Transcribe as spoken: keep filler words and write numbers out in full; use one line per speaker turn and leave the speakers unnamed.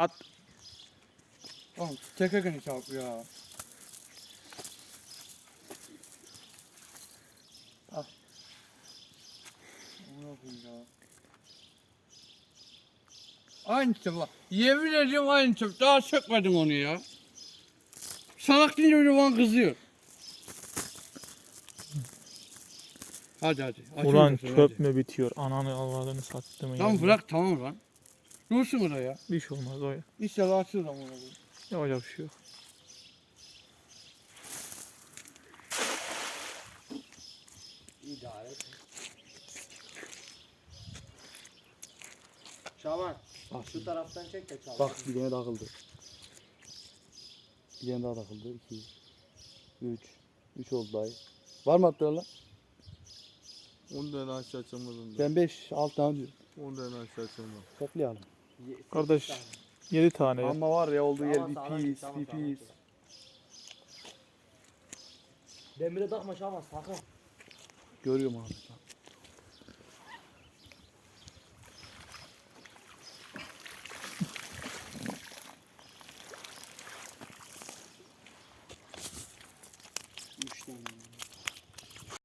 At.
Tamam tekerken çarp ya. Al. Ne yapayım ya? Aynı çöp bak. Yemin ediyorum aynı çöp. Daha sökmedim onu ya. Salak deyince öyle bana kızıyor. Hadi hadi. Açın
Ulan
bakalım,
çöp
hadi.
mü bitiyor? Ananı avradını sattım.
Tamam bırak tamam lan. Dursun orada ya.
Bir şey olmaz o ya.
İnşallah açılır ama onu.
Yapacak bir şey yok.
İdare et. Şaban.
Bak
Şu taraftan çek de çal.
Bak bir tane takıldı. Bir tane daha takıldı. İki. Üç. Üç oldu dayı. Var mı attılar lan?
on tane aşağı açılmadım da.
Ben beş, altı tane diyorum.
on tane aşağı açılmadım.
Toplayalım.
Ye- sekiz
Kardeş,
tane.
yedi tane ya.
Ama var ya olduğu yer
Tamam,
bir
sağdan
pis,
çek, tamam,
bir
sağdan
pis.
çek. Demire takma Şaban sakın.
Görüyorum abi.